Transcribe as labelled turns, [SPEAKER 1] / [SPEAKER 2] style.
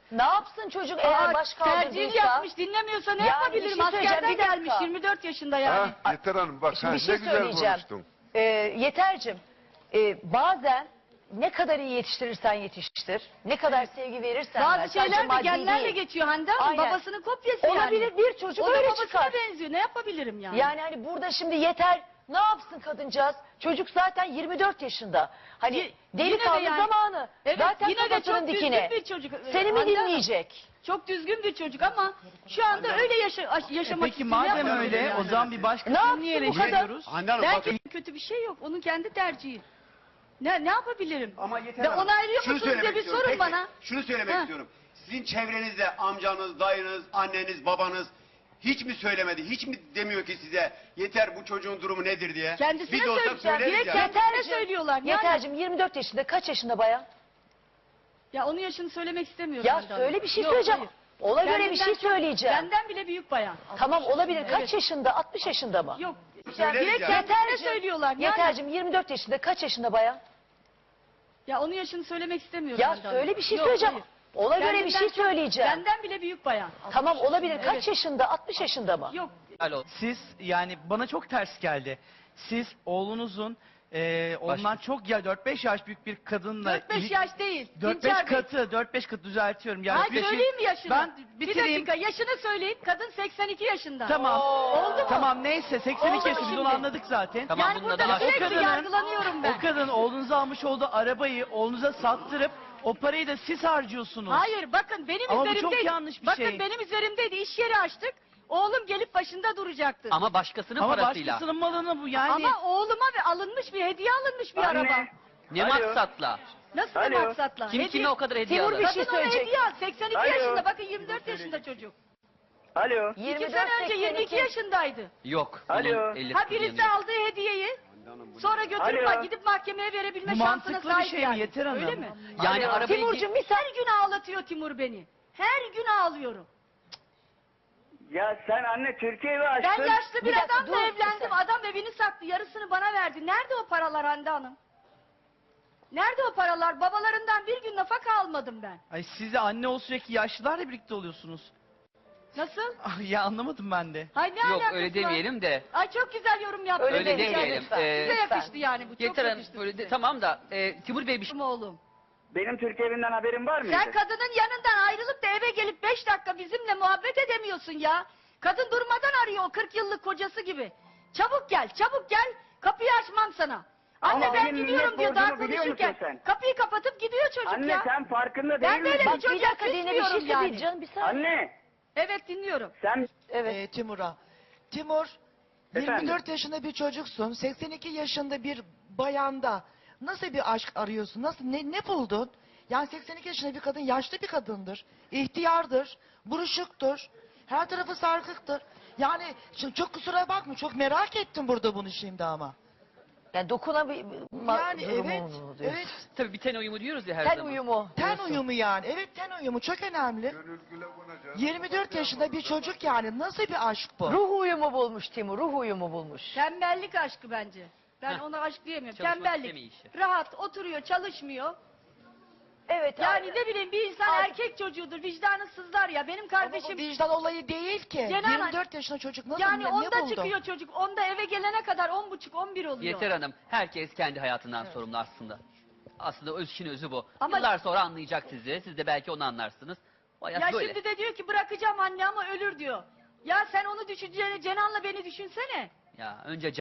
[SPEAKER 1] Ne yapsın çocuk eğer baş
[SPEAKER 2] tercih
[SPEAKER 1] kaldırdıysa?
[SPEAKER 2] yapmış, dinlemiyorsa ne
[SPEAKER 1] Yani
[SPEAKER 2] yapabilirim?
[SPEAKER 1] bir şey söyleyeceğim,
[SPEAKER 2] Askerden
[SPEAKER 1] bir dakika.
[SPEAKER 2] gelmiş 24 yaşında yani.
[SPEAKER 3] Ha, Yeter Hanım bak
[SPEAKER 1] Şimdi
[SPEAKER 3] ha,
[SPEAKER 1] bir şey
[SPEAKER 3] ne güzel
[SPEAKER 1] söyleyeceğim.
[SPEAKER 3] konuştun.
[SPEAKER 1] Yeter'cim, bazen ne kadar iyi yetiştirirsen yetiştir, ne kadar sevgi verirsen ver,
[SPEAKER 2] Bazı
[SPEAKER 1] sadece
[SPEAKER 2] şeyler de
[SPEAKER 1] maddi
[SPEAKER 2] genlerle
[SPEAKER 1] değil.
[SPEAKER 2] geçiyor Hande Hanım.
[SPEAKER 1] Aynen.
[SPEAKER 2] Babasının kopyası
[SPEAKER 1] Olabilir,
[SPEAKER 2] yani.
[SPEAKER 1] bir çocuk
[SPEAKER 2] O da
[SPEAKER 1] öyle
[SPEAKER 2] babasına
[SPEAKER 1] çıkar.
[SPEAKER 2] benziyor. Ne yapabilirim yani?
[SPEAKER 1] Yani hani burada şimdi Yeter ne yapsın kadıncağız? Çocuk zaten 24 yaşında. Hani
[SPEAKER 2] Yine
[SPEAKER 1] delikanlı
[SPEAKER 2] de yani-
[SPEAKER 1] zamanı.
[SPEAKER 2] Evet,
[SPEAKER 1] zaten
[SPEAKER 2] yine de
[SPEAKER 1] kafasının
[SPEAKER 2] çok
[SPEAKER 1] dikine.
[SPEAKER 2] düzgün bir çocuk.
[SPEAKER 1] Seni mi
[SPEAKER 2] Hande Hanım,
[SPEAKER 1] dinleyecek?
[SPEAKER 2] Çok düzgün bir çocuk ama şu anda öyle yaşamak
[SPEAKER 4] Peki
[SPEAKER 2] istiyor.
[SPEAKER 4] madem
[SPEAKER 2] Yapamıyor
[SPEAKER 4] öyle
[SPEAKER 2] yani.
[SPEAKER 4] o zaman bir
[SPEAKER 1] Ne
[SPEAKER 4] başkasını
[SPEAKER 1] yapsın
[SPEAKER 4] niye
[SPEAKER 1] bu kadar?
[SPEAKER 4] eleştiriyoruz?
[SPEAKER 5] Hande Hanım
[SPEAKER 2] Belki
[SPEAKER 5] bakın.
[SPEAKER 2] kötü bir şey yok. Onun kendi tercihi. Ne yapabilirim?
[SPEAKER 5] Ama yeter
[SPEAKER 2] Ve
[SPEAKER 5] Hanım,
[SPEAKER 2] onaylıyor
[SPEAKER 5] şunu
[SPEAKER 2] musunuz diye
[SPEAKER 5] söylemek
[SPEAKER 2] bir
[SPEAKER 5] istiyorum.
[SPEAKER 2] sorun
[SPEAKER 5] Peki,
[SPEAKER 2] bana.
[SPEAKER 5] Şunu söylemek
[SPEAKER 2] Ha.
[SPEAKER 5] istiyorum. Sizin çevrenizde amcanız, dayınız, anneniz, babanız hiç mi söylemedi? Hiç mi demiyor ki size yeter bu çocuğun durumu nedir diye?
[SPEAKER 2] Kendisine
[SPEAKER 5] Biz olsak
[SPEAKER 2] söyleyeceğim.
[SPEAKER 5] söyleriz
[SPEAKER 2] Direkt
[SPEAKER 5] ya.
[SPEAKER 2] kendisine
[SPEAKER 1] Yeterciğim,
[SPEAKER 2] söylüyorlar. Yani,
[SPEAKER 1] Yeter'cim 24 yaşında, kaç yaşında bayan?
[SPEAKER 2] ya onun yaşını söylemek istemiyorum.
[SPEAKER 1] Ya
[SPEAKER 2] Hande Hanım.
[SPEAKER 1] söyle bir şey
[SPEAKER 2] Yok,
[SPEAKER 1] söyleyeceğim.
[SPEAKER 2] hayır.
[SPEAKER 1] Ona göre bir
[SPEAKER 2] Kendinden
[SPEAKER 1] şey
[SPEAKER 2] çok-
[SPEAKER 1] söyleyeceğim.
[SPEAKER 2] Benden bile büyük bayan.
[SPEAKER 1] Tamam olabilir. Kaç
[SPEAKER 2] Evet.
[SPEAKER 1] yaşında? 60 yaşında mı?
[SPEAKER 2] Yok.
[SPEAKER 5] Söyleriz
[SPEAKER 2] Direkt
[SPEAKER 5] ya.
[SPEAKER 2] kendisine
[SPEAKER 1] Yeterciğim,
[SPEAKER 2] söylüyorlar. Yani,
[SPEAKER 1] Yeter'cim 24 yaşında, kaç yaşında bayan?
[SPEAKER 2] ya onun yaşını söylemek istemiyorum.
[SPEAKER 1] Ya
[SPEAKER 2] Hande Hanım.
[SPEAKER 1] söyle bir şey
[SPEAKER 2] Yok,
[SPEAKER 1] söyleyeceğim.
[SPEAKER 2] hayır.
[SPEAKER 1] Ona göre bir
[SPEAKER 2] Kendinden
[SPEAKER 1] şey
[SPEAKER 2] çok-
[SPEAKER 1] söyleyeceğim.
[SPEAKER 2] Benden bile büyük bayan.
[SPEAKER 1] Tamam olabilir. Kaç
[SPEAKER 2] Evet.
[SPEAKER 1] yaşında? 60 yaşında mı?
[SPEAKER 2] Yok.
[SPEAKER 4] Siz yani bana çok ters geldi. Siz oğlunuzun ondan çok ya 4-5 yaş büyük bir kadınla
[SPEAKER 2] 4-5 yaş değil.
[SPEAKER 4] 4-5
[SPEAKER 2] Dinçer Bey.
[SPEAKER 4] katı 4-5 katı düzeltiyorum. Yani
[SPEAKER 2] Ay
[SPEAKER 4] bir şey-
[SPEAKER 2] söyleyeyim mi yaşını?
[SPEAKER 4] Ben
[SPEAKER 2] bir
[SPEAKER 4] bitireyim.
[SPEAKER 2] dakika yaşını söyleyeyim. Kadın 82 yaşında.
[SPEAKER 4] Tamam.
[SPEAKER 2] Oldu mu?
[SPEAKER 4] Tamam neyse 82
[SPEAKER 2] Oldu
[SPEAKER 4] yaşında biz
[SPEAKER 2] şimdi.
[SPEAKER 4] onu anladık zaten.
[SPEAKER 6] Tamam,
[SPEAKER 2] Yani
[SPEAKER 6] bunun
[SPEAKER 2] burada
[SPEAKER 6] adı aşk.
[SPEAKER 2] sürekli
[SPEAKER 4] O kadının-
[SPEAKER 2] yargılanıyorum ben.
[SPEAKER 4] O kadın oğlunuza almış olduğu arabayı oğlunuza sattırıp o parayı da siz harcıyorsunuz.
[SPEAKER 2] Hayır bakın benim
[SPEAKER 4] Ama bu
[SPEAKER 2] üzerimdeydi.
[SPEAKER 4] çok yanlış bir
[SPEAKER 2] bakın
[SPEAKER 4] şey.
[SPEAKER 2] benim üzerimdeydi. İş yeri açtık. Oğlum gelip başında duracaktı.
[SPEAKER 6] Ama başkasının
[SPEAKER 4] Ama
[SPEAKER 6] parasıyla.
[SPEAKER 4] başkasının malını bu yani.
[SPEAKER 2] Ama oğluma alınmış bir hediye alınmış bir
[SPEAKER 7] Anne.
[SPEAKER 2] araba.
[SPEAKER 6] Ne
[SPEAKER 7] Alo.
[SPEAKER 6] maksatla?
[SPEAKER 2] Nasıl
[SPEAKER 7] Alo.
[SPEAKER 2] bir maksatla?
[SPEAKER 6] Kim kime o kadar hediye
[SPEAKER 1] Timur
[SPEAKER 6] alır?
[SPEAKER 1] bir şey
[SPEAKER 2] Kadın ona
[SPEAKER 1] söyleyecek.
[SPEAKER 2] hediye al. 82
[SPEAKER 7] Alo.
[SPEAKER 2] yaşında bakın 24 yaşında çocuk.
[SPEAKER 7] Alo.
[SPEAKER 2] 2 sene önce 22 yaşındaydı.
[SPEAKER 6] Yok.
[SPEAKER 7] Alo.
[SPEAKER 6] bunun 50
[SPEAKER 2] Ha
[SPEAKER 6] kızı
[SPEAKER 2] birisi
[SPEAKER 6] yanıyor.
[SPEAKER 2] aldığı hediyeyi sonra götürüp
[SPEAKER 7] Alo.
[SPEAKER 2] gidip mahkemeye verebilme
[SPEAKER 4] Bu
[SPEAKER 2] şansına
[SPEAKER 4] mantıklı bir
[SPEAKER 2] sahip
[SPEAKER 4] şey mi
[SPEAKER 2] yani.
[SPEAKER 4] Yeter Hanım?
[SPEAKER 2] Öyle mi?
[SPEAKER 6] Yani
[SPEAKER 7] Alo.
[SPEAKER 6] arabayı...
[SPEAKER 2] Timurcuğum her gün ağlatıyor Timur beni. Her gün ağlıyorum.
[SPEAKER 7] Ya sen anne Türkiye'yi açtın.
[SPEAKER 2] Ben yaşlı bir,
[SPEAKER 1] Bir dakika,
[SPEAKER 2] adamla
[SPEAKER 1] dur,
[SPEAKER 2] evlendim.
[SPEAKER 1] bir
[SPEAKER 2] Adam evini sattı. Yarısını bana verdi. Nerede o paralar Hande Hanım? Nerede o paralar? Babalarından bir gün nafaka almadım ben.
[SPEAKER 4] Ay siz de anne ol sürekli yaşlılarla birlikte oluyorsunuz.
[SPEAKER 2] Nasıl?
[SPEAKER 4] Ah, ya anlamadım ben de.
[SPEAKER 2] Hay ne
[SPEAKER 6] Yok
[SPEAKER 2] alakası
[SPEAKER 6] öyle
[SPEAKER 2] var?
[SPEAKER 6] demeyelim de.
[SPEAKER 2] Ay çok güzel yorum yaptın.
[SPEAKER 1] Öyle
[SPEAKER 6] Öyle
[SPEAKER 1] demeyelim
[SPEAKER 6] demeyelim.
[SPEAKER 1] lütfen.
[SPEAKER 2] Size
[SPEAKER 1] Lütfen.
[SPEAKER 2] yakıştı yani bu. Çok
[SPEAKER 6] Yeter Hanım
[SPEAKER 2] yakıştı
[SPEAKER 6] böyle
[SPEAKER 2] size.
[SPEAKER 6] tamam da Timur Bey bir şey...
[SPEAKER 2] Benim oğlum.
[SPEAKER 7] Benim Türkiye evinden haberin var mıydı?
[SPEAKER 2] Sen kadının yanından ayrılıp da eve gelip 5 dakika bizimle muhabbet edemiyorsun ya. Kadın durmadan arıyor o 40 yıllık kocası gibi. Çabuk gel, çabuk gel. Kapıyı açmam sana. Anne
[SPEAKER 7] Ama
[SPEAKER 2] ben
[SPEAKER 7] benim
[SPEAKER 2] gidiyorum
[SPEAKER 7] millet
[SPEAKER 2] diyor daha
[SPEAKER 7] borcumu biliyor
[SPEAKER 2] konuşurken.
[SPEAKER 7] musun sen?
[SPEAKER 2] Kapıyı kapatıp gidiyor çocuk
[SPEAKER 7] Anne
[SPEAKER 2] ya.
[SPEAKER 7] sen farkında
[SPEAKER 2] Ben
[SPEAKER 7] değil
[SPEAKER 2] böyle
[SPEAKER 7] misin?
[SPEAKER 2] bir
[SPEAKER 1] Bak
[SPEAKER 2] çocuğa
[SPEAKER 1] bir dakika Dine bir şey
[SPEAKER 2] küsmüyorum yani.
[SPEAKER 1] söyleyeceğim. Bir saniye.
[SPEAKER 7] Anne
[SPEAKER 2] Evet dinliyorum.
[SPEAKER 7] sen
[SPEAKER 1] Evet.
[SPEAKER 8] Timur'a. Timur,
[SPEAKER 7] Efendim?
[SPEAKER 8] 24 yaşında bir çocuksun. 82 yaşında bir bayanda nasıl bir aşk arıyorsun? Nasıl ne buldun? Yani 82 yaşında bir kadın yaşlı bir kadındır. İhtiyardır, buruşuktur. Her tarafı sarkıktır. Yani çok kusura bakma, çok merak ettim burada bunu şimdi ama.
[SPEAKER 1] Yani dokunabilma
[SPEAKER 8] Yani evet,
[SPEAKER 1] durumunu diyorsun.
[SPEAKER 8] evet.
[SPEAKER 6] Tabii bir ten uyumu diyoruz ya her
[SPEAKER 1] Ten
[SPEAKER 6] zaman.
[SPEAKER 1] uyumu.
[SPEAKER 8] Ten
[SPEAKER 1] diyorsun.
[SPEAKER 8] uyumu yani. Evet, ten uyumu çok önemli.
[SPEAKER 3] Gönül güle konacak.
[SPEAKER 8] 24 yaşında bir çocuk yani. Nasıl bir aşk bu?
[SPEAKER 1] Ruh uyumu bulmuş Timur, ruh uyumu bulmuş.
[SPEAKER 2] Tembellik aşkı bence. Ben
[SPEAKER 6] Heh.
[SPEAKER 2] ona aşk diyemiyorum.
[SPEAKER 6] Çalışmak
[SPEAKER 2] Tembellik.
[SPEAKER 6] istemiyor işi.
[SPEAKER 2] Rahat oturuyor, çalışmıyor.
[SPEAKER 1] Evet.
[SPEAKER 2] Yani ne bileyim bir insan
[SPEAKER 1] Abi-
[SPEAKER 2] erkek çocuğudur, vicdanı sızlar ya. Benim
[SPEAKER 8] Ama bu
[SPEAKER 2] kardeşim
[SPEAKER 8] vicdan olayı değil ki.
[SPEAKER 2] Cenan-
[SPEAKER 8] 24 yaşında çocuk nasıl
[SPEAKER 2] yani
[SPEAKER 8] ne
[SPEAKER 2] onda
[SPEAKER 8] buldu?
[SPEAKER 2] çıkıyor çocuk. Onda eve gelene kadar 10.30-11 oluyor.
[SPEAKER 6] Yeter Hanım herkes kendi hayatından sorumlu aslında. Aslında öz işin özü bu.
[SPEAKER 2] Ama-
[SPEAKER 6] Yıllar sonra anlayacak sizi. Siz de belki onu anlarsınız. O hayat
[SPEAKER 2] Ya
[SPEAKER 6] böyle.
[SPEAKER 2] şimdi de diyor ki bırakacağım anne ama ölür diyor. Ya sen onu düşüneceğine Cenan'la beni düşünsene.
[SPEAKER 6] Ya önce